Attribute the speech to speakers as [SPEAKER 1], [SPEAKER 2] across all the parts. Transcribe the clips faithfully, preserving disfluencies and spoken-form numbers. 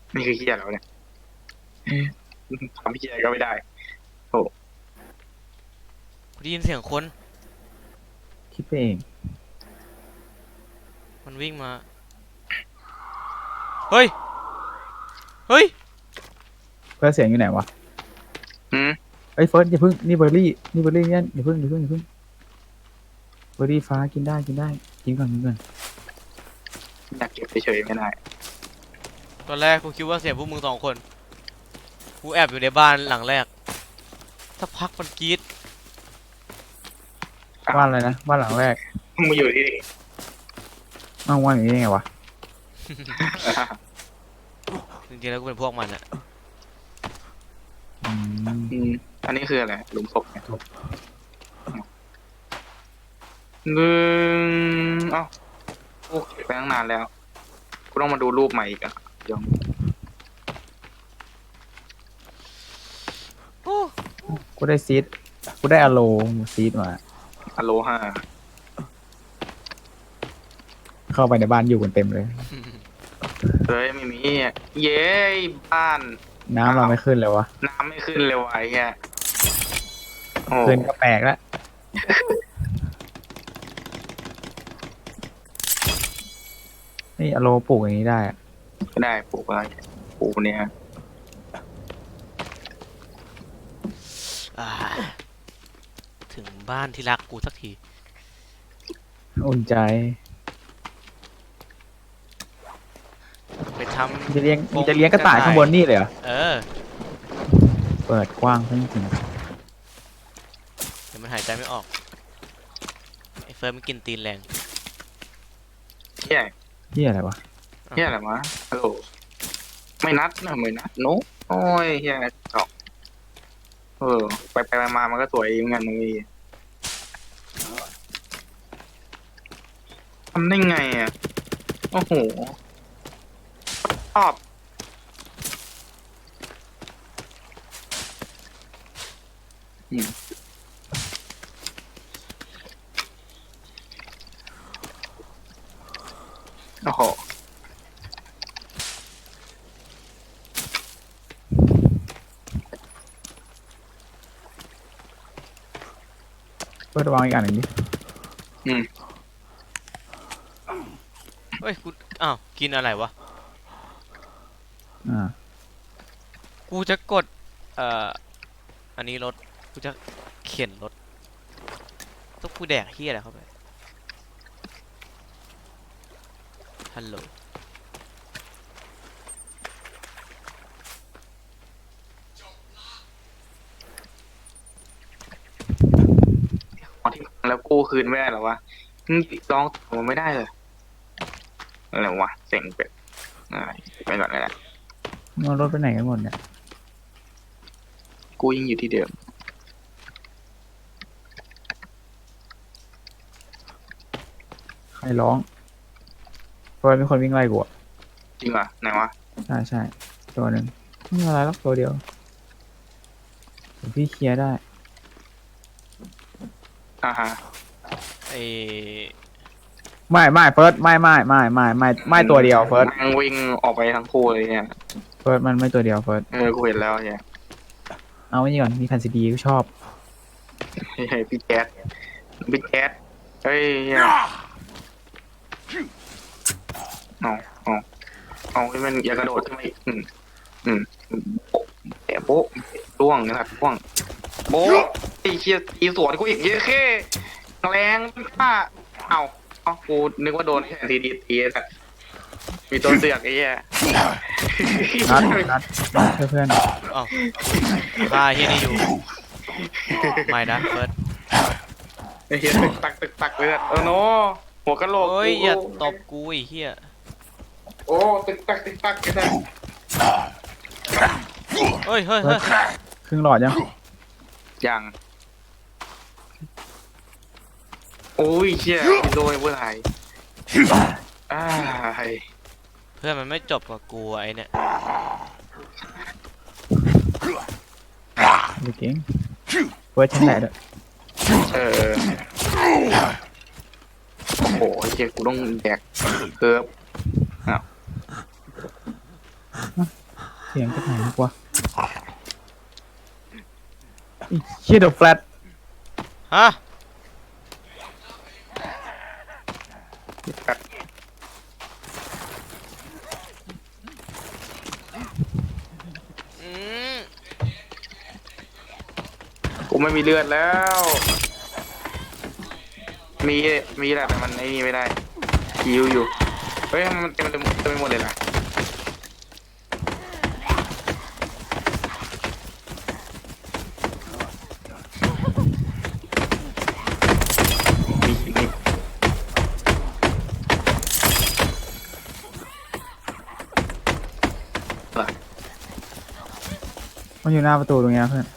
[SPEAKER 1] นี่คือเฮียแล้วเนี่ยทำเฮียก็ไม่ได้โอ้
[SPEAKER 2] กูได้ยินเสียงคน
[SPEAKER 3] คิดไปเอง
[SPEAKER 2] มันวิ่งมาเฮ้ยเฮ้ย
[SPEAKER 3] เพื่อเสียงอยู่ไหนวะ
[SPEAKER 1] หืม
[SPEAKER 3] ไอ้ยเฟิร์สอย่าพึ่งนี่เบอร์รี่นี่เบอร์รี่เนี่ยอย่าพึ่งอย่าพึ่งอย่าพึ่งเบอร์รี่ฟ้ากินได้กินได้กินก่อนกินก่อน
[SPEAKER 1] อยากเก็บเฉยๆไม่ได้
[SPEAKER 2] ตอนแรกกูคิดว่าเสียงพวกมึงสองคนกูแอบอยู่ในบ้านหลังแรกสักพักมันกรี๊ด
[SPEAKER 3] บ้านอะไรนะบ้านหลังแรก
[SPEAKER 1] มึงมาอยู่ที่นี่
[SPEAKER 3] อ้าวว่านอย่างนี้ได้ไงวะ
[SPEAKER 2] จริงๆแล้วกูเป็นพวกมันอะ
[SPEAKER 3] อืม
[SPEAKER 1] อืมอันนี้คืออะไรหลุมศพเนี่ยหนึ่งเอ้าโอ้เก็บไปตั้งนานแล้วกูต้องมาดูรูปใหม่อีกอ่ะยัง
[SPEAKER 2] โอ้
[SPEAKER 3] กูได้ซีดกูได้อะโลซีดมา
[SPEAKER 1] อโลฮา
[SPEAKER 3] เข้าไปในบ้านอยู่กันเต็มเลย
[SPEAKER 1] เฮ้ยไม่มีเย้บ้าน
[SPEAKER 3] น้ำเราไม่ขึ้นเลยวะ
[SPEAKER 1] น้ำไม่ขึ้นเลยว่ะไอ้เหี้ยโอ้
[SPEAKER 3] ขึ้นก็แปลกแล้วนี่อะโลปลูกอย่างนี้ได้อะ
[SPEAKER 1] ไม่ได้ปลูกอะไรปลูกเนี่ย
[SPEAKER 2] อ่าถึงบ้านที่รักกูสักที
[SPEAKER 3] อุ่นใจ
[SPEAKER 2] ไปท
[SPEAKER 3] มึงจะเลี้ยงมึงจะเลี้ยงกระต่ายข้างบนนี่เลยเหรอ
[SPEAKER 2] ำเออ
[SPEAKER 3] เปิดกว้างทั้งจริง
[SPEAKER 2] เดี๋ยวมันหายใจไม่ออกไอ้เฟิร์นมันกินตีนแรง
[SPEAKER 1] เหี้ย
[SPEAKER 3] ๆที่อะไรวะ
[SPEAKER 1] เหี้ยอะไรวะฮัลโหลไม่นัดนะไม่นัดโน้โอ้ยเหี้ยจอกเออไปไปมามามันก็สวยเหมือนกันมึงทำได้ไงอ่ะโอ้โหชอบอืมโอ้โห
[SPEAKER 3] เปิดวางอีกอันหนึ่งดิ
[SPEAKER 1] อืม
[SPEAKER 2] เฮ้ยกูอ้าวกินอะไรวะ
[SPEAKER 3] อ่า
[SPEAKER 2] กูจะกดเอ่ออันนี้รถกูจะเข็นรถต้องกูแดกเฮียอะไรเข้าไปฮัลโหล
[SPEAKER 1] ของที่พังแล้วกู้คืนไม่ได้เหรอวะมึงลองมันไม่ได้เลยอะไรวะเส็งเป็ดอะไรไปก่อนเลยแหละ
[SPEAKER 3] เอารถไปไหนกันหมดเนี่ย
[SPEAKER 1] กูยังอยู่ที่เดิม
[SPEAKER 3] ใครร้องเฟิร์สมีคนวิ่งไล่กูอะ
[SPEAKER 1] จริงเหรอไหนวะ
[SPEAKER 3] ใช่ใช่ตัวหนึ่งไม่มีอะไรหรอกตัวเดียวเดี๋ยวพี่เคลียร์ได้
[SPEAKER 1] อ่าฮะ
[SPEAKER 2] ไอ้
[SPEAKER 3] ไม่ไม่เฟิร์สไม่ไม่ไม่ไม่ไม่ไม่ตัวเดียวเฟิร์ส
[SPEAKER 1] มันวิ่งออกไปทั้งคู่เลยเนี่ย
[SPEAKER 3] เฟิร์สมันไม่ตัวเดียวเฟิร์ส
[SPEAKER 1] เออกูเห็นแล้วเนี่ย
[SPEAKER 3] เอาไว้นี่ก่อนมีแผ่นซีดีก็ชอบ
[SPEAKER 1] เฮ้ยพี่แจ๊ดพี่แจ๊ดเฮ้ยเนี่ยเอาเอาเอาให้มันอย่ากระโดดขึ้นมาอีกอืมอืมแต่โบ๊ะร่วงนะครับร่วงโบ๊ะไอ้เชี่ยตีสวนกูอีกเยอะแค่แรงมากเอาเอากูนึกว่าโดนแค่ทีดีตีสัตว์มีตัวเสือกไอ้เหี้ย
[SPEAKER 3] นัดนัดนัดเพื่อน
[SPEAKER 2] อ้าวฆ่าเฮียนี่อยู่ไม่นะเฟิร์ส
[SPEAKER 1] ไอ้เหี้ยตึกตักตึกตักเลยอะเออโนหัวกะโหลก
[SPEAKER 2] โอ้ย
[SPEAKER 1] กู
[SPEAKER 2] อย่าตบกูไอ้เฮีย
[SPEAKER 1] โอ้ตึกตักตึกตักไอ้สัส
[SPEAKER 2] เฮ้ยเฮ้ยเฮ้ย
[SPEAKER 3] ๆครึ่งหลอดยัง
[SPEAKER 1] ยังโอ้ยเชี่ยโดนเมื่อไหร่อ้าย
[SPEAKER 2] เพื่อนมันไม่จบกับกูไอ้เนี่ย
[SPEAKER 3] ไม่เก่งเฟิร์สชั้นไหนด้วย
[SPEAKER 1] เออโอ้โหเชี่ยกูต้องแดกเคิร์ฟอ้าว
[SPEAKER 3] เสียงจากไหนวะไอ้เชี่ยเดอะแฟลต
[SPEAKER 2] ฮะ
[SPEAKER 1] แบบ
[SPEAKER 2] อืม
[SPEAKER 1] กูไม่มีเลือดแล้ว มีมีแหละแต่มันไอ้นี่ไม่ได้คิวอยู่เฮ้ยมันเต็มเต็มเต็มไปหมดเลยล่ะมีมี
[SPEAKER 3] มันอยู่หน้าประตูตรงเนี้ยเพื่อน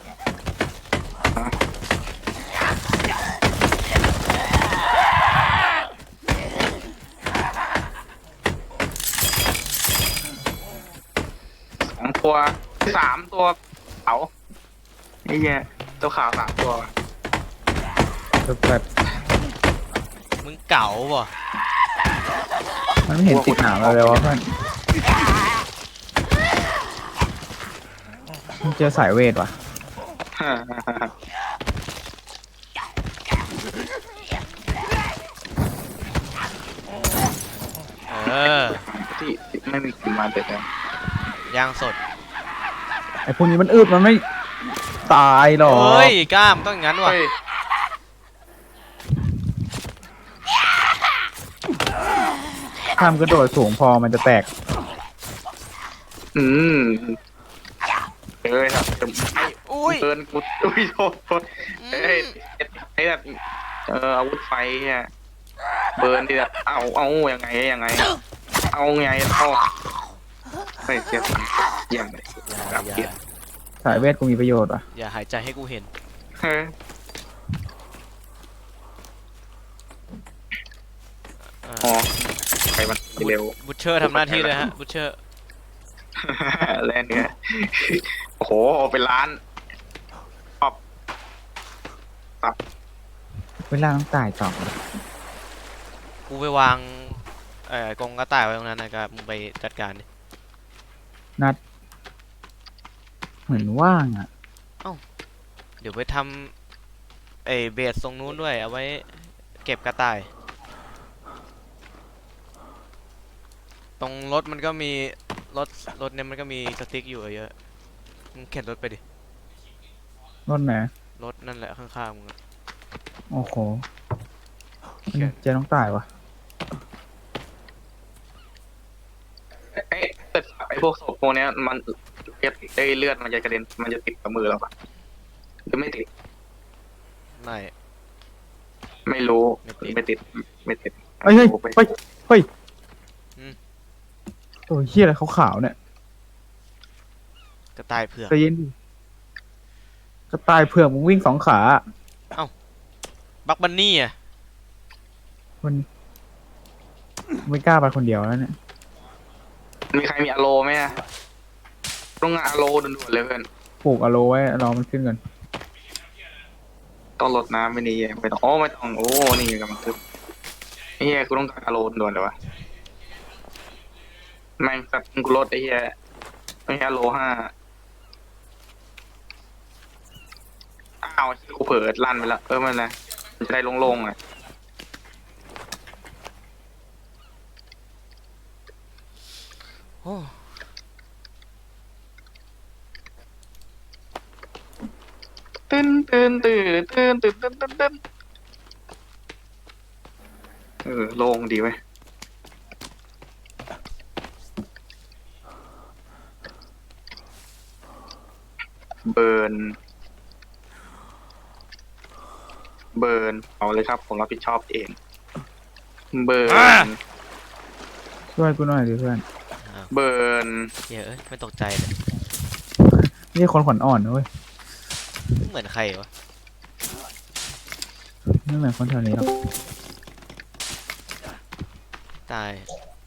[SPEAKER 1] สองตัวสามตัวขาวไอ้เหี้ยตัวขาวสามตัว
[SPEAKER 3] เดอะแฟลต
[SPEAKER 2] มึงเก๋าป่ะ
[SPEAKER 3] มันไม่เห็นติดหนามเราเลยวะเพื่อนมันเจอสายเวทว่ะ
[SPEAKER 2] เออ
[SPEAKER 1] ที่ไม่มีกินมาเด็ดเลย
[SPEAKER 2] ย่างสด
[SPEAKER 3] ไอ้พวกนี้มันอึดมันไม่ตายหรอก
[SPEAKER 2] เฮ้ยกล้ามต้องอย่างนั้นว่ะ
[SPEAKER 1] เฮ้ย
[SPEAKER 3] ข้ามกระโดดสูงพอมันจะแตก
[SPEAKER 1] อืมเอ้ยครับไอ้
[SPEAKER 2] อุ้ย
[SPEAKER 1] เกินกูอุ้ยโทษโทษเอ้ยไอ้แบบเอออาวุธไฟเนี่ยเบิร์นดิแบบเอาเอายังไงยังไง เอาไงเอาเฮ้ยเกียร์เยี่ยมเลย
[SPEAKER 2] อย่าอย่า
[SPEAKER 1] เกียร์
[SPEAKER 3] สายเวทกูมีประโยชน์ว่ะ
[SPEAKER 2] อย่าหายใจให้กูเห็น
[SPEAKER 1] เฮ้ย
[SPEAKER 2] อ่า
[SPEAKER 1] อ๋อไปมันเร็ว
[SPEAKER 2] บุชเชอร์ทำหน้าที่เลยฮะบุชเชอร์
[SPEAKER 1] แล่นเนี่ยโอ้โหเป็นล้านชอบ
[SPEAKER 3] เวลาต้องตายต่อเลย
[SPEAKER 2] กูไปวางเอ่อกรงกระต่ายไว้ตรงนั้นนะครับมึงไปจัดการดิ
[SPEAKER 3] นัด เหมือนว่างอ่ะ
[SPEAKER 2] เดี๋ยวไปทำไอ้เบสตรงนู้นด้วยเอาไว้เก็บกระต่าย ตรงรถมันก็มีรถรถเนี่ยมันก็มีสติ๊กอยู่เยอะมึงเข็นรถไปดิ
[SPEAKER 3] รถไหน
[SPEAKER 2] รถนั่นแหละข้างๆมึงอะ
[SPEAKER 3] โอ้โห
[SPEAKER 2] เข็น
[SPEAKER 3] เจต้องตายวะ
[SPEAKER 1] ไอ้แต่ไอ้พวกศพพวกเนี้ยมันเลือดไอ้เลือดมันจะกระเด็นมันจะติดกับมือเราปะหรือไม่ติด
[SPEAKER 2] ไม่
[SPEAKER 1] ไม่รู้
[SPEAKER 2] ไม่ติด
[SPEAKER 1] ไม่ติดไม่ติด
[SPEAKER 3] เฮ้ยเฮ้ย
[SPEAKER 1] ไป
[SPEAKER 3] เฮ้ยเฮ้ย
[SPEAKER 2] อืม
[SPEAKER 3] ตัวเฮียอะไรขาวๆเนี่ย
[SPEAKER 2] กระต่ายเผือก
[SPEAKER 3] ใจเย็นดิกระต่ายเผือกมึงวิ่งสองขา
[SPEAKER 2] บักบันนี่อ่ะ
[SPEAKER 3] มันไม่กล้าไปคนเดียวแล้วเนี่ย
[SPEAKER 1] มีใครมีอโลไหมอะต้องงานอโลด่วนๆเลยเพื่อน
[SPEAKER 3] ปลูกอะโลไว้รอมันขึ้นก่อน
[SPEAKER 1] ต้องลดน้ำไม่นี่ไม่ต้องโอ้ไม่ต้องโอ้นี่กำลังขึ้นไอ้เหี้ยกูต้องการอโลด่วนเลยวะแม่งสัตว์กูลดไอ้เหี้ยไม่ใช่อโลห้าอ้าวกูเผลอลั่นไปแล้วเออไม่เป็นไรมันจะได้โล่งๆอ่ะ
[SPEAKER 2] โอ้
[SPEAKER 1] ตื่นตื่นตื่นตื่นตื่นตื่นตื่นตื่นเออโล่งดีไหมเบิร์นเบิร์นเอาเลยครับผมรับผิดชอบเองเบิร์น
[SPEAKER 3] ช่วยกูหน่อยดิเพื่อน
[SPEAKER 2] อ้าว
[SPEAKER 1] เบิร์น
[SPEAKER 2] เหี้ยเอ้ยไม่ตกใจเลย
[SPEAKER 3] นี่คนขวัญอ่อนนะเว้ย
[SPEAKER 2] เหมือนใครวะ
[SPEAKER 3] ไม่เหมือนคนแถวนี้หรอก
[SPEAKER 2] ตาย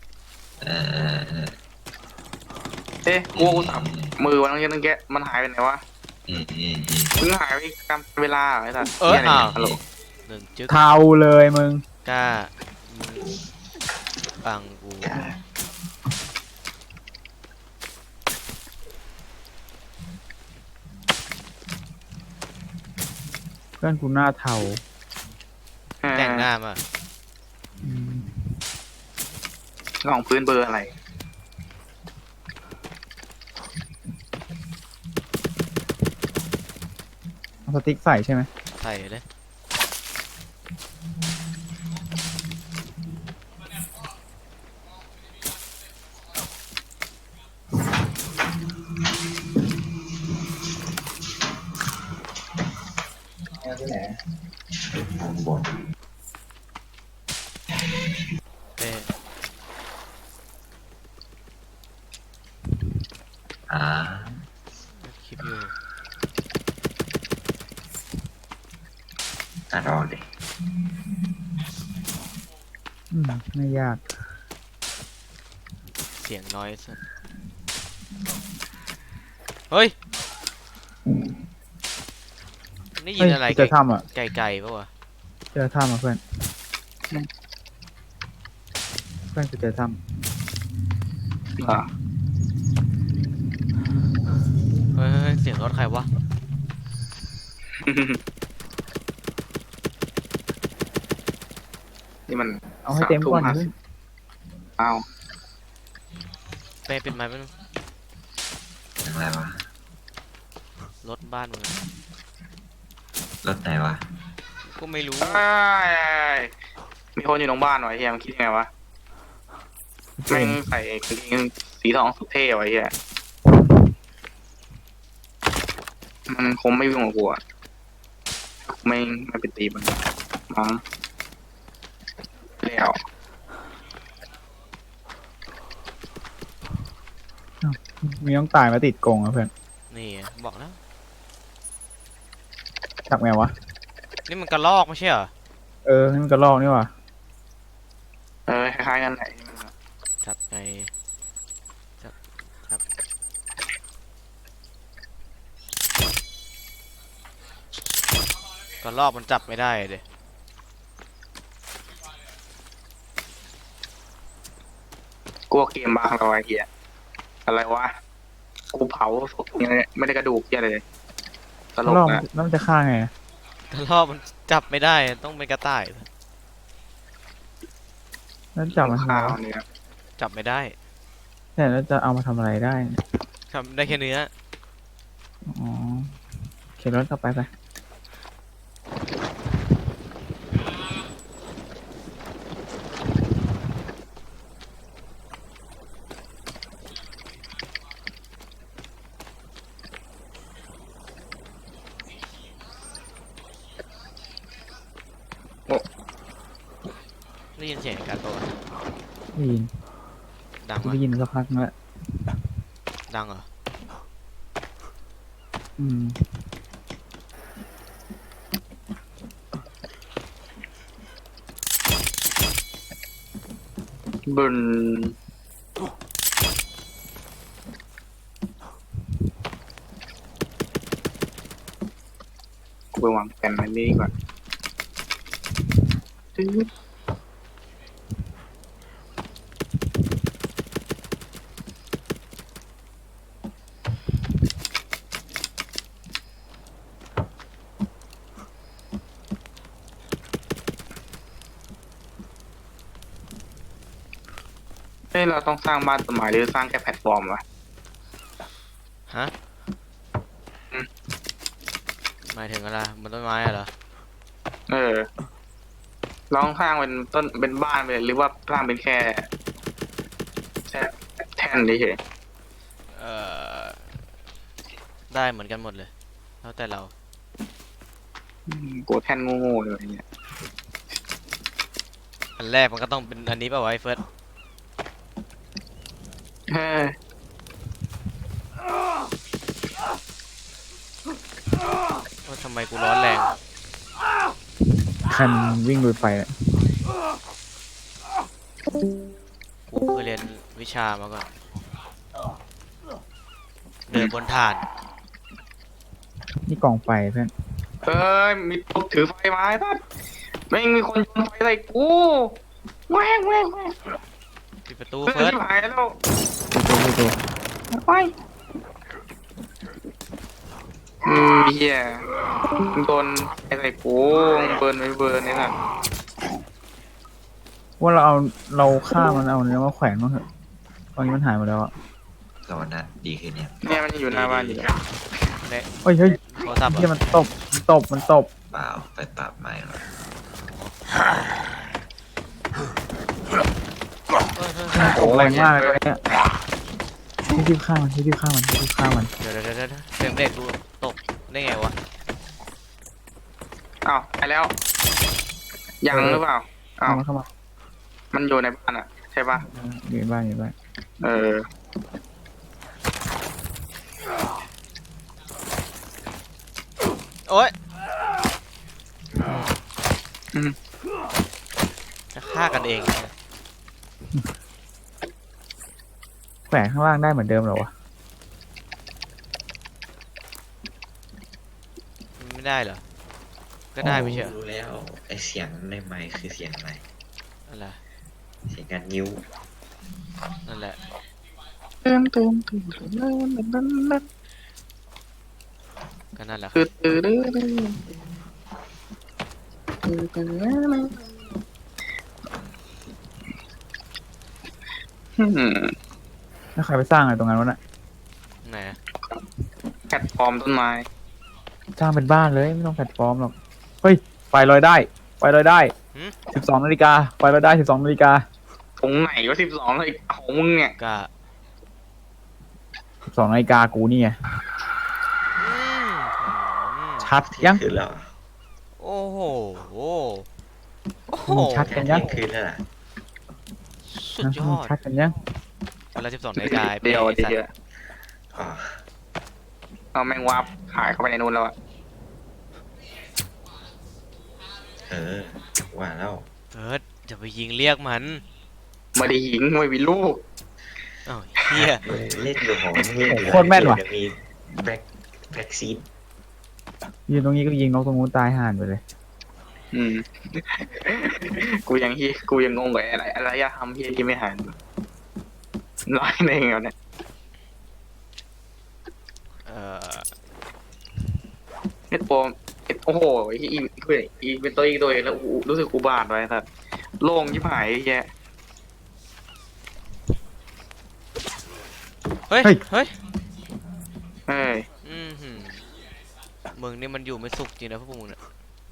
[SPEAKER 1] เอ๊ะกูกูสับมือวันนั้นยังแกะมันหายไปไหนวะ
[SPEAKER 4] อืมอืมอืม
[SPEAKER 1] มึงหายไปตามเวลาเหรอไอ้สัส
[SPEAKER 2] เออ
[SPEAKER 1] หี้ยะไร
[SPEAKER 2] อ้าว
[SPEAKER 1] นี่ยฮัลโหล
[SPEAKER 2] หนึ่งจึ๊ก
[SPEAKER 3] เทาเลยมึง
[SPEAKER 2] กล้ามึงบังกู
[SPEAKER 3] พื่อนกูหน้าเทา
[SPEAKER 2] แต่งหน้ามา
[SPEAKER 3] อืม
[SPEAKER 1] ลองพื้นเบอร์อะไร
[SPEAKER 3] เอาสติ๊กใส่ใช่ไหม
[SPEAKER 2] ใส่เลย
[SPEAKER 4] ที่ไหนทางบน
[SPEAKER 2] เอ้ย
[SPEAKER 4] อ่า
[SPEAKER 2] คลิปอยู่
[SPEAKER 4] ตัดออกดิ
[SPEAKER 3] อืมไม่ยาก
[SPEAKER 2] เสียงน้อยสุดเฮ้ยนี่ยิ
[SPEAKER 3] เฮ้
[SPEAKER 2] น
[SPEAKER 3] ย
[SPEAKER 2] อะไร
[SPEAKER 3] เจอถ้ำอ่ะ
[SPEAKER 2] ไก่ๆปะวะ
[SPEAKER 3] เจอถ้ำอ่ะเพื่อน
[SPEAKER 1] อืม
[SPEAKER 3] เพื่อนกูเจอถ้
[SPEAKER 1] อ่า
[SPEAKER 2] เฮ้ยเฮ้ยเฮ้ยเสียงรถใครวะ
[SPEAKER 1] นี่มัน
[SPEAKER 3] ำเอาให้เต็มก่อน
[SPEAKER 1] สา
[SPEAKER 3] เพื่
[SPEAKER 1] ทุ่
[SPEAKER 3] อน
[SPEAKER 1] อ้าว
[SPEAKER 2] เป้เป็นไม้เป็น
[SPEAKER 4] อย่างไรวะ
[SPEAKER 2] รถบ้านมึงอะ
[SPEAKER 4] รถไหนวะ
[SPEAKER 2] ก็ไม่รู้
[SPEAKER 1] เอ้ยมีคนอยู่ตรงบ้านวะไอ้เฮียมันคิดยังไงวะแม่งใส่กางเกงสีทองสุดเท่ไวะไอ้เฮียมันคงไม่วิ่งกับกูอะไม่ไม่ไปตีมันมั้งแล้ว
[SPEAKER 3] มีต้องตายมาติดกรงอ่ะเพื่อน
[SPEAKER 2] นี่ไงบอกแล้ว
[SPEAKER 3] จับไงวะ
[SPEAKER 2] นี่มันกระลอกไม่ใช่เหรอ
[SPEAKER 3] เออนี่มันกระรอกนี่ว่ะ
[SPEAKER 1] เออคล้ายๆกันไหน
[SPEAKER 2] จับไงจับจับกระลอกมันจับไม่ได้เดย
[SPEAKER 1] กลัวเกมบางเราไอ้เหี้ยอะไรวะกูเผาศพยังไม่ได้กระดูกเหี้ยอะไรเลยต
[SPEAKER 3] ก
[SPEAKER 1] ล
[SPEAKER 3] ระ
[SPEAKER 1] ก
[SPEAKER 3] รอก
[SPEAKER 1] นะ
[SPEAKER 3] แล้วมันจะฆ่าไงอะ
[SPEAKER 2] กระลอกมันจับไม่ได้ต้องเป็นกระต่าย
[SPEAKER 3] แล้วจับมันทำไม
[SPEAKER 1] ข้าว
[SPEAKER 3] วะ
[SPEAKER 1] เนี่ย
[SPEAKER 2] จับไม่ได้
[SPEAKER 3] แต่แล้วจะเอามาทำอะไรได้
[SPEAKER 2] ทำได้แค่เนื้อ
[SPEAKER 3] อ๋อเข็นรถกลับไปไป
[SPEAKER 2] ได้ยินเสียงการตัวะ
[SPEAKER 3] ได้ยิน
[SPEAKER 2] ดัง
[SPEAKER 3] กู
[SPEAKER 2] วะ
[SPEAKER 3] ได้ยินสักพักนึงแล้ว
[SPEAKER 2] ดังเหรอ
[SPEAKER 3] อืม
[SPEAKER 1] บึนกูไปวางแผนมันนี่ดีกว่าเฮ้ยเราต้องสร้างบ้านต้นไม้หรือสร้างแค่แพลตฟอร์มวะ
[SPEAKER 2] ฮะ
[SPEAKER 1] อืม
[SPEAKER 2] หมายถึงอะไรบนต้นไม้อะเหรอ
[SPEAKER 1] เออลองสร้างเป็นต้นเป็นบ้านไปเลยหรือว่าสร้างเป็นแค่แค่แท่นเฉย
[SPEAKER 2] เอ่อ ได้เหมือนกันหมดเลย แล้วแต่เรา
[SPEAKER 1] ๆอืมกูแท่นโง่ๆเลยไอ้เนี่ย
[SPEAKER 2] อันแรกมันก็ต้องเป็นอันนี้ป่ะวะไอ้เฟิร์ส
[SPEAKER 1] เฮ้ย
[SPEAKER 2] ว่าทำไมกูร้อนแรง
[SPEAKER 3] คันวิ่งลุยไฟอะ
[SPEAKER 2] กูเคยเรียนวิชามาก่อน เดินบนถ่าน
[SPEAKER 3] นี่กองไฟเพื่อน
[SPEAKER 1] เอ้ยมีตุ๊กถือไฟมาไอ้สัสแม่งมีคนโยนไฟใส่กูแหวงแหวงแหวง
[SPEAKER 2] ปิดประตู
[SPEAKER 1] เฮ้ย
[SPEAKER 2] เฟิร์ส
[SPEAKER 1] ชิบหายแล้ว
[SPEAKER 3] ดูดูดู
[SPEAKER 1] ไปอืมเฮียโดนไอ้ไรกูเบิร์นไม่เบิร์นนี่นะ
[SPEAKER 3] ว่าเราเอาเราฆ่ามันเอาเนื้อมาแขวนมั้งเถอะตอนนี้มันหายหมดแล้วอะ
[SPEAKER 4] สวรรค์นะดีขึ้นเนี่ย
[SPEAKER 1] เนี่ยมันยังอยู่หน้าบ้านอยู่เลย
[SPEAKER 2] เนี่ย
[SPEAKER 3] เฮ้ยเฮ้ย
[SPEAKER 2] โทรศัพท์เหร
[SPEAKER 3] เฮีย
[SPEAKER 2] อ
[SPEAKER 3] มันตบมันตบมันตบ
[SPEAKER 4] เปล่าไปปรับใหม่มา
[SPEAKER 2] เออเออเออ
[SPEAKER 3] ตบแรงมากเลยตัวเนี้ยที่ที่ฆ่ามันที่ที่ฆ่ามันที่ที่ฆ่ามัน
[SPEAKER 2] เดี๋ยวเดี๋ยวเดี๋ยวเดี๋ยวเสียงเบรกกูตกได้ไงวะ
[SPEAKER 1] อ้าวไปแล้ว ยังหรือเปล่าอ้า
[SPEAKER 3] เข้าว มาเข้ามา
[SPEAKER 1] มันอยู่ในบ้านอ่ะ ใช่ปะ
[SPEAKER 3] อยู่ในบ้านอยู่ในบ้าน
[SPEAKER 1] เออ
[SPEAKER 2] โอ๊ย
[SPEAKER 1] อืม
[SPEAKER 2] จะฆ่ากันเองเนี่ย
[SPEAKER 3] แขวนข้างล่างได้เหมือนเดิมเหรอวะ
[SPEAKER 2] มันไม่ได้เหรอ ก็ได้ไม่ใช่เหรอ
[SPEAKER 4] รู้แล้วไอเสียงในไมค์คือเสียงอะไร
[SPEAKER 2] นั่นแหละ
[SPEAKER 4] เสียงการนิ้ว
[SPEAKER 2] นั่นแหละ
[SPEAKER 1] เติมเติมเติมเติมเติมเติมเติมเติม
[SPEAKER 2] ก็นั่นแหละค
[SPEAKER 1] คื
[SPEAKER 2] รั
[SPEAKER 1] อบ ตื่นตื่นตื่นตื่นตื่นอืม
[SPEAKER 3] แล้วใครไปสร้างอะไรตรงนั้นวะน่ะ
[SPEAKER 2] ไหนอะ
[SPEAKER 1] แพลตฟอร์มต้นไม้
[SPEAKER 3] สร้างเป็นบ้านเลยไม่ต้องแพลตฟอร์มหรอกเฮ้ยไฟลอยได้ไฟลอยได้สิบสองนาฬิกาไฟลอยได้สิบสองนาฬิกา
[SPEAKER 1] ตรงไหนวะสิบสองเลยของมึงเนี่ย
[SPEAKER 2] ก็
[SPEAKER 3] สิบสองนาฬิกากูนี่ไง
[SPEAKER 2] อืมอืม
[SPEAKER 3] ชัดยัง
[SPEAKER 4] คืนแล้ว
[SPEAKER 2] โอ้โห โอ้โห
[SPEAKER 3] มึงชัด
[SPEAKER 4] แค่เที่ยงคืนแล้วล่ะ
[SPEAKER 2] สุดยอด
[SPEAKER 3] ชัดกันยัง
[SPEAKER 2] เวลาสิบสองนาฬิกา
[SPEAKER 1] เดียว
[SPEAKER 2] ไอ้สัต
[SPEAKER 1] เดียว
[SPEAKER 2] ว์
[SPEAKER 4] อ๋อ
[SPEAKER 1] เอาแมงวับหายเข้าไปในนู้นแล้วอะ
[SPEAKER 4] เออว่าแล้ว
[SPEAKER 2] เฟิร์สจะไปยิงเรียกมัน
[SPEAKER 1] ไม่ได้หญิงไม่มีลูก
[SPEAKER 2] อ้าวเฮีย
[SPEAKER 4] เล่นอยู่ของเล่นอยู่
[SPEAKER 3] โคตรแม่นว่ะ
[SPEAKER 4] เดี๋ยวมีแบ็คแบ็คซีด
[SPEAKER 3] ยืนตรงนี้ก็ยิงนกตรงนู้นตายห่านไปเลย
[SPEAKER 1] อืม กูยังฮีกูยังงงกับอะไรอะไรอะทำเฮียที่ไม่หันร้อยหนึ่งแล้วเนี่ย
[SPEAKER 2] เอ่อ
[SPEAKER 1] เน็ตโปมโอ้โหอีอีอีอีเป็นตัวอีกตัวเองแล้วอูรู้สึกอุบาทไว้สัตว์โล่งยิบหายแย่
[SPEAKER 2] เฮ้ย
[SPEAKER 3] เฮ้ย
[SPEAKER 2] เฮ้ย
[SPEAKER 1] เฮ้ย
[SPEAKER 2] อืมหืมมึงนี่มันอยู่ไม่สุขจริงนะพวกมึงเนี่ย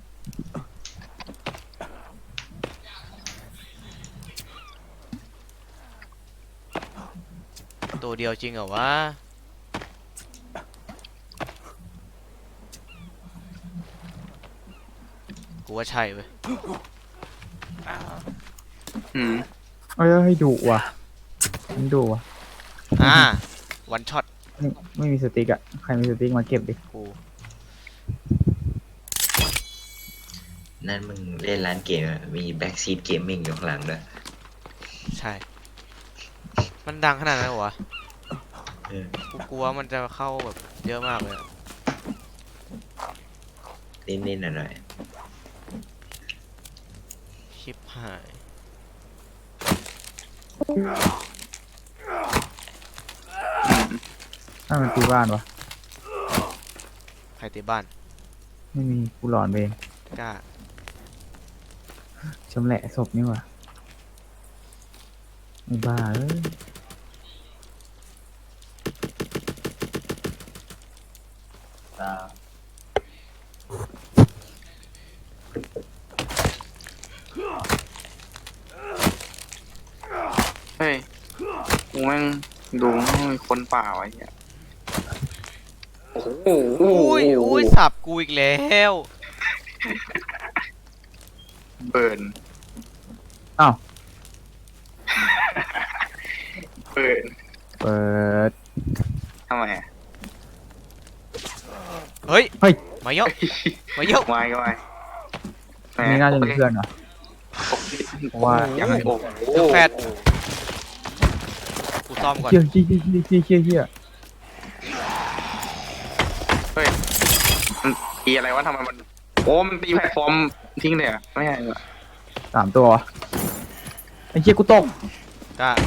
[SPEAKER 2] ตัวเดียวจริงเหรอวะ กูว่าใช่เว้ย
[SPEAKER 1] อืม
[SPEAKER 3] เอ้ยให้ดุว่ะมันดุว่ะ
[SPEAKER 2] อ่า วันช็อต
[SPEAKER 3] ไม่ไม่มีสติ๊กอะใครมีสติ๊กมาเก็บดิ
[SPEAKER 2] กู
[SPEAKER 4] นั่นมึงเล่นร้านเกมอะมีแบ็คซีดเกมมิ่งอยู่ข้างหลังด้วย
[SPEAKER 2] ใช่ มันดังขนาดนั้นเหรอวะ
[SPEAKER 4] เออ
[SPEAKER 2] กูกลัวมันจะเข้าแบบเยอะมากเลยอะ
[SPEAKER 4] นิดๆหน่อย
[SPEAKER 2] ชิปหาย
[SPEAKER 3] ถ้ามันตีบ้านวะ
[SPEAKER 2] ใครตีบ้าน
[SPEAKER 3] ไม่มีกูหลอนไปเอง
[SPEAKER 2] กล้า
[SPEAKER 3] ชำแหละศพนี่ว่ะไอ้บ้าเอ้ย
[SPEAKER 1] เฮ้ยกูแม่งดูมีคนป่าไว้เนี่ยโอ้โห
[SPEAKER 2] อุ้ยอุ้ยสับกูอีกแล้ว
[SPEAKER 1] เบิร์น
[SPEAKER 3] อ้าว
[SPEAKER 1] เบิร์น
[SPEAKER 3] เปิด
[SPEAKER 1] ทำไมอะ
[SPEAKER 2] เฮ้ย
[SPEAKER 3] เฮ้ย
[SPEAKER 2] มาเยอะมาเยอะ
[SPEAKER 1] วายก็วาย
[SPEAKER 3] อันนี้น่าจะมีเพื่อนเหรอ เพราะว่า
[SPEAKER 1] ยังไงโอ้โห
[SPEAKER 2] จะแฟดกูซ่อมก่อน
[SPEAKER 3] เฮี้ยเฮี้ยเฮี้ยเฮี้ยเฮี้ยเฮี้ย
[SPEAKER 1] เฮ้ยมันตีอะไรวะทำไมมันโอ้มันตีแพลตฟอร์มทิ้งเลยเหรอะไม่ใช่เหรอ
[SPEAKER 3] สามตัววะไอ้เฮี้ยกูตก
[SPEAKER 2] กล้า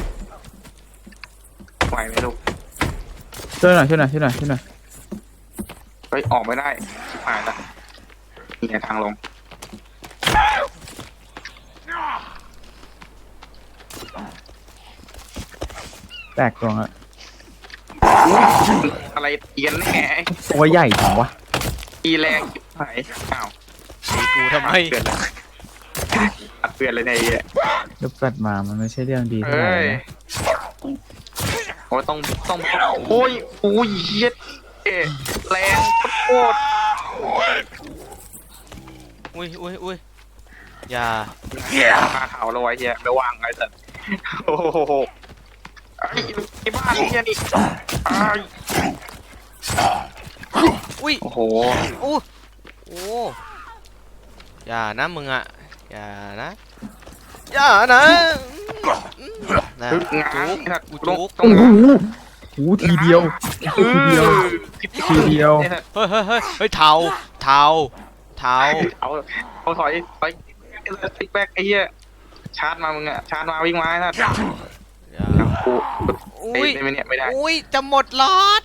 [SPEAKER 1] ไหวไหมลูก
[SPEAKER 3] ช่วยหน่อยช่วยหน่อยช่วยหน่อยช่วยหน่อย
[SPEAKER 1] เฮ้ยฮ้ยออกไม่ได้ชิบหายละนี่ไงทางลง
[SPEAKER 3] แตกตัวอะ
[SPEAKER 1] อะไรเตียนแน่
[SPEAKER 3] ตัวใหญ่จังวะ
[SPEAKER 1] ตีแรงชิบหายอ้าว
[SPEAKER 2] ตีกูทำไม
[SPEAKER 1] เปลี่ยนเลยอัดเปลี่ยนเลยในยไอ้เหี้ย
[SPEAKER 3] ลูกปัดมามันไม่ใช่เรื่องดีเท่าไหร่
[SPEAKER 1] เอ้ย
[SPEAKER 3] นะ
[SPEAKER 1] โอ้ยต้องต้องโอ้ยโอ้ยเหี้ยเอ๊ะแรงโคตร
[SPEAKER 2] อุ้ยอุ้ยอุ้ยอย่า
[SPEAKER 1] ๆมาเท้าเลยไอ้เหี้ยไม่ว่างไอ้สัสโอ้โหไอ้ไอ้บ้านเหี้ยนี่ไอ้
[SPEAKER 2] อุ้ย
[SPEAKER 1] โอ้โห
[SPEAKER 2] โอ้โอ้อย่านะมึงอ่ะอย่านะอย่านะนะ
[SPEAKER 1] ฮึบง้าง
[SPEAKER 2] จุก
[SPEAKER 1] ไอ้สัส
[SPEAKER 2] กู
[SPEAKER 1] ต้อง
[SPEAKER 2] จุก
[SPEAKER 1] ต้อง
[SPEAKER 3] โอ้โห
[SPEAKER 1] ง้าง
[SPEAKER 3] โอ้โหทีเดียวทีเดียว ทีเดียว
[SPEAKER 1] ไอ้สัส
[SPEAKER 2] เฮ้ยเฮ้ยเฮ้ยเฮ้ยเทาเทาเทา
[SPEAKER 1] เอาเอาถอยถอยไอ้สัสติ๊กแบ็กไอ้เหี้ยชาร์จมามึงอะชาร์จมาวิ่งมาไอ้สัส
[SPEAKER 2] อย่า
[SPEAKER 1] กูกู
[SPEAKER 2] อุ้ย
[SPEAKER 1] ไอ้ไม่เนี่ยไม่ได้
[SPEAKER 2] อุ้ยจะหมดหลอด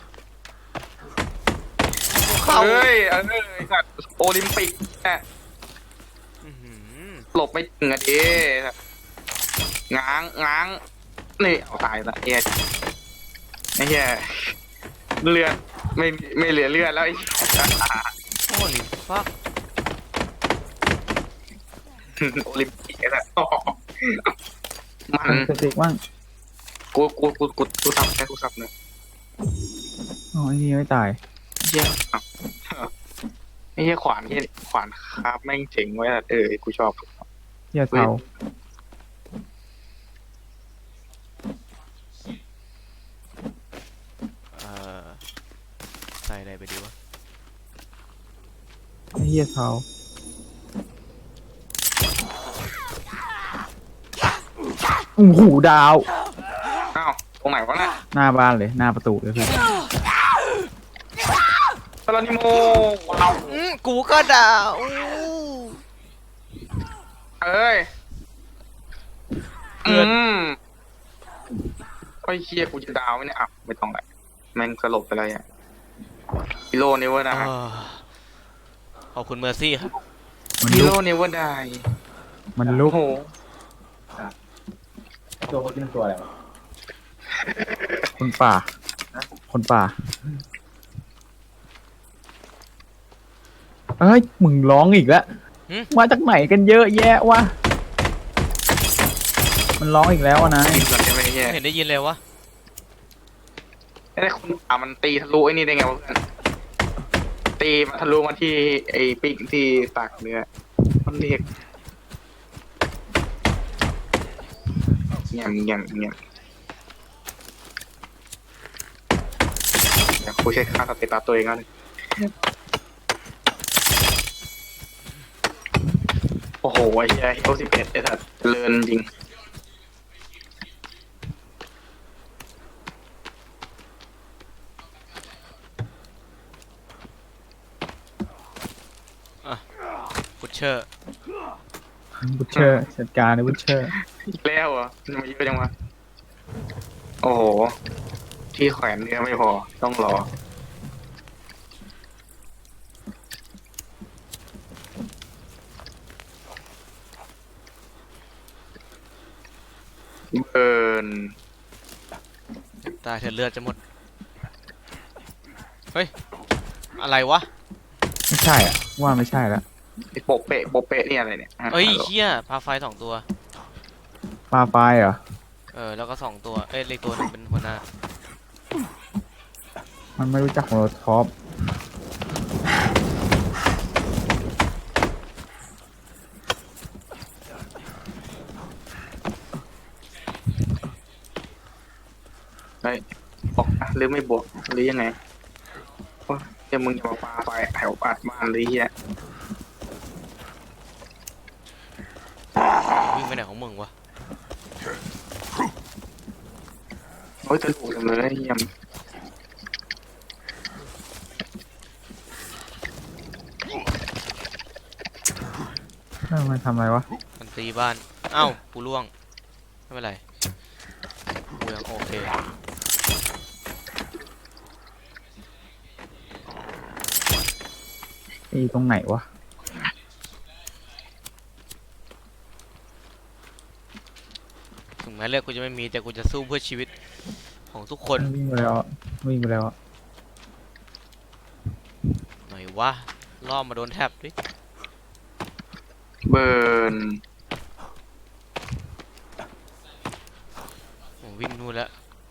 [SPEAKER 2] เข้า
[SPEAKER 1] เฮ้ยเออไอ้สัสโอลิมปิกอะ
[SPEAKER 2] อื้อหือ
[SPEAKER 1] หลบไม่ถึงอะเด้ง้างง้างนี่เอาตายละเหี้ยไอ้เหี้ยเลือดไม่ไม่เหลือเลือดแล้วไอ้เหี้ย
[SPEAKER 2] โอ้ลิฟัก
[SPEAKER 1] โอลิมปิกไอ้สัสมัน
[SPEAKER 3] สติกว่าง
[SPEAKER 1] กูกูกูกูกูสับแค่กูสับเนอะ
[SPEAKER 3] อ๋อไอ้นี่ไม่ตาย
[SPEAKER 1] เหี้ยอ้าวไอ้เหี้ยขวานเหี้ยขวานคาบแม่งเจ๋งไว้อะเออกูชอบ
[SPEAKER 3] เหี้ยเทา
[SPEAKER 2] เอ่อใส่อะไรไปดีวะ
[SPEAKER 3] ไอ้เหี้ยเทาโอ้โหดาว
[SPEAKER 1] อ้าวตรงไหนวะน่ะ
[SPEAKER 3] หน้าบ้านเลยหน้าประตูเลยพี่
[SPEAKER 1] ตลานิโมว้าว
[SPEAKER 2] อืมกูก็ด่าอู้
[SPEAKER 1] เอ้ย
[SPEAKER 2] เกิ
[SPEAKER 1] อื
[SPEAKER 2] น
[SPEAKER 1] มไอ้เฮียกูจะดาวไหมเนี่ยอ่ะไม่ต้องแหละแม่งสลบไปเลยอ่ะฮีโร่เนเวอร์ได้
[SPEAKER 2] เออขอบคุณเมอร์ซี่ครับ
[SPEAKER 3] มัน
[SPEAKER 1] ฮี
[SPEAKER 3] ลุ
[SPEAKER 1] โร่
[SPEAKER 3] ก
[SPEAKER 1] เนเวอร์ได้
[SPEAKER 3] มันลุ
[SPEAKER 1] โอ้
[SPEAKER 3] ก
[SPEAKER 1] โห
[SPEAKER 3] ตัวคนนี้ตัวอะไรคนป่า คนป่าเอ้ยมึงร้องอีกแล้ว
[SPEAKER 2] หึ
[SPEAKER 3] มาจากไหนกันเยอะแยะวะมันร้องอีกแล้วอะนะ
[SPEAKER 1] กินก่อนใช่ไหมเฮีย
[SPEAKER 2] ไม่เห็นได้ยินเลยวะ
[SPEAKER 1] ไอ้คนอ่ะมันตีทะลุไอ้นี่ได้ไงวะเพื่อนตีมาทะลุมาที่ไอ้ปิ๊กที่ตากเนื้อมันเรียกเงียบเงียบเงียบเดี๋ยวกูเช็คค่าสเตตัสตัวเองแล้วโอ้โหไอ้เหี้ยเอลสิบเอ็ดไอ้สัสเลินจริง
[SPEAKER 2] ฟุตเชอร์
[SPEAKER 3] บุชเชอร์จัดการเลยบุชเชอร์
[SPEAKER 1] อีกแล้วเหรอทำไมเยอะจังวะโอ้โห ที่แขวนเนื้อไม่พอ ต้องรอ เบิร์น
[SPEAKER 2] ตายเถอะเลือดจะหมด เฮ้ย อะไรวะ
[SPEAKER 3] ไม่ใช่อ่ะว่าไม่ใช่ละ
[SPEAKER 1] ไอ้โปะเปะโปะเปะนี่อะไรเนี่ยฮะ
[SPEAKER 2] เอ้ย
[SPEAKER 1] ฮัลโหล
[SPEAKER 2] เชี่ยพาไฟสองตัว
[SPEAKER 3] ปลาไฟเหรอ
[SPEAKER 2] เออ แล้วก็สองตัว เอ้ยเลขตัวหนึงเป็นหัวหน้า
[SPEAKER 3] มันไม่รู้จักโมโลท็อป
[SPEAKER 1] เฮ้ยบอกอ่ะหรือไม่บวกหรือยังไงโอ้ยเดี๋ยวมึงจะมาปาไฟแถวอัดบ้านเลยเฮีย
[SPEAKER 2] วิ่งไปไหนของมึงวะ
[SPEAKER 1] โอ้ยจะถูกจังเลยเฮียม
[SPEAKER 3] เออมันทำอะไรวะ
[SPEAKER 2] มันตีบ้าน เอ้า กูล่วง ไม่เป็นไร กูยังโอเค
[SPEAKER 3] อีตรงไหนวะ
[SPEAKER 2] ถึงแม้เลือดกูจะไม่มีแต่กูจะสู้เพื่อชีวิตของทุกคน
[SPEAKER 3] วิ่งไปแล้วอะวิ่งไปแล้วอะ
[SPEAKER 2] หน่อยวะล่อมาโดนแทบดิ
[SPEAKER 1] เบิร์น
[SPEAKER 2] ผมวิ่งนู่นแล้ว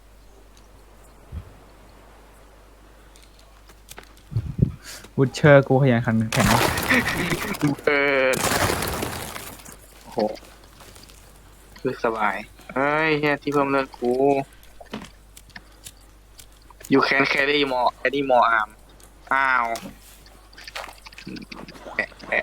[SPEAKER 3] วูดเชอร์กูขยันขันแข็ง
[SPEAKER 1] เบิร์นโอ้โหคือสบายเอ้ยเฮียที่เพิ่มเลือดกู you can carry more carry more arm อ้าวแปะแปะ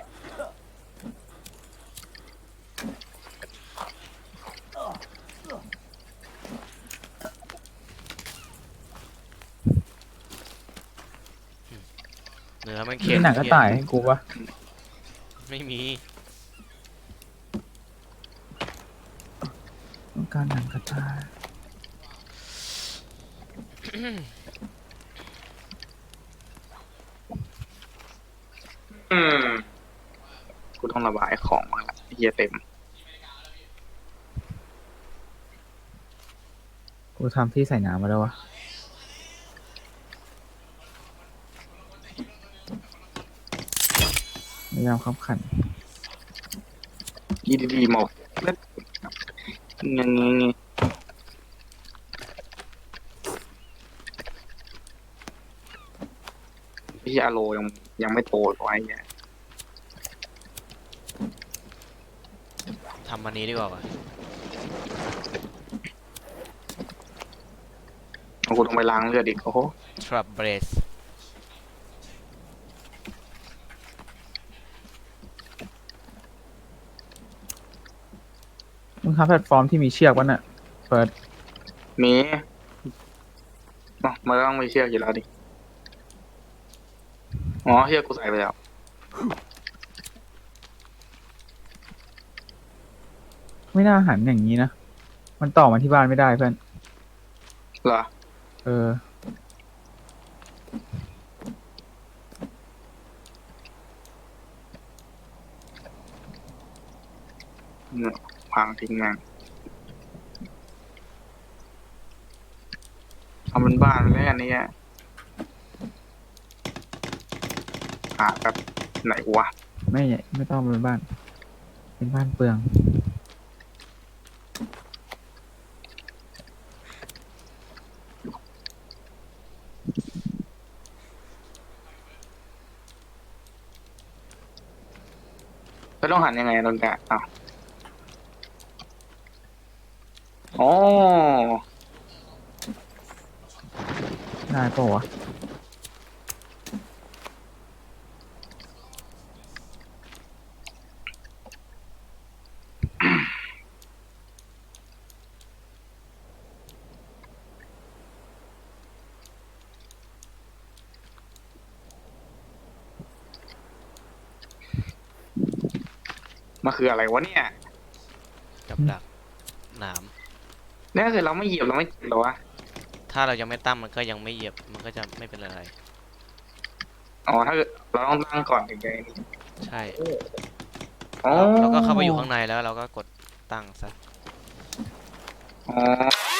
[SPEAKER 2] เนื้อมัน
[SPEAKER 3] มี
[SPEAKER 2] เค็ม
[SPEAKER 3] หนังกระต่ายให้กูปะ
[SPEAKER 2] ไม่มี
[SPEAKER 3] ต้องการหนังกระต่าย
[SPEAKER 1] อืมกูต้องระบายของมาละเฮียเต็ม
[SPEAKER 3] กูทำที่ใส่น้ำมาแล้ววะพยายามขับขัน
[SPEAKER 1] ยีดีๆหมอกเล็ดยังไงพี่อาโลยังยังไม่โตไว้เนี่ย
[SPEAKER 2] ทำอันนี้ดีกว่าวะ
[SPEAKER 1] กูต้องไปล้างเลือดอีกโอ้โห
[SPEAKER 2] trap brace
[SPEAKER 3] มึงทำแพลตฟอร์มที่มีเชือกวะน่ะเปิด
[SPEAKER 1] มีอ๋อมันก็ต้องมีเชือกอยู่แล้วดิ อ๋อเชือกกูใส่ไปแล้ว
[SPEAKER 3] ไม่น่าหันอย่างนี้นะ มันต่อมาที่บ้านไม่ได้เพื่อน
[SPEAKER 1] เหรอ
[SPEAKER 3] เออ
[SPEAKER 1] เนี่ยพังทิ้งแม่งทำเป็นบ้านเลยอันนี้อะหาแบบไหนวะ
[SPEAKER 3] ไม่ไม่ต้องเป็นบ้าน เป็นบ้านเปลือง
[SPEAKER 1] แล้วต้องหันยังไงตอนกะอ้าวอ๋อ
[SPEAKER 3] ได้ปะวะ
[SPEAKER 1] มันคืออะไรวะเนี่ย
[SPEAKER 2] กับดักหนาม
[SPEAKER 1] เนี่ยคือเราไม่เหยียบเราไม่เจ็บเหรอวะ
[SPEAKER 2] ถ้าเรายังไม่ตั้งมันก็ยังไม่เหยียบมันก็จะไม่เป็นอะไร
[SPEAKER 1] อ๋อ ถ้าเกิดเราต้องตั้งก่อนถึงจะไอ้นี่
[SPEAKER 2] ใช่
[SPEAKER 1] อ๋อ
[SPEAKER 2] เราก็เข้าไปอยู่ข้างในแล้วเราก็กดตั้งซะ
[SPEAKER 1] อ๋อ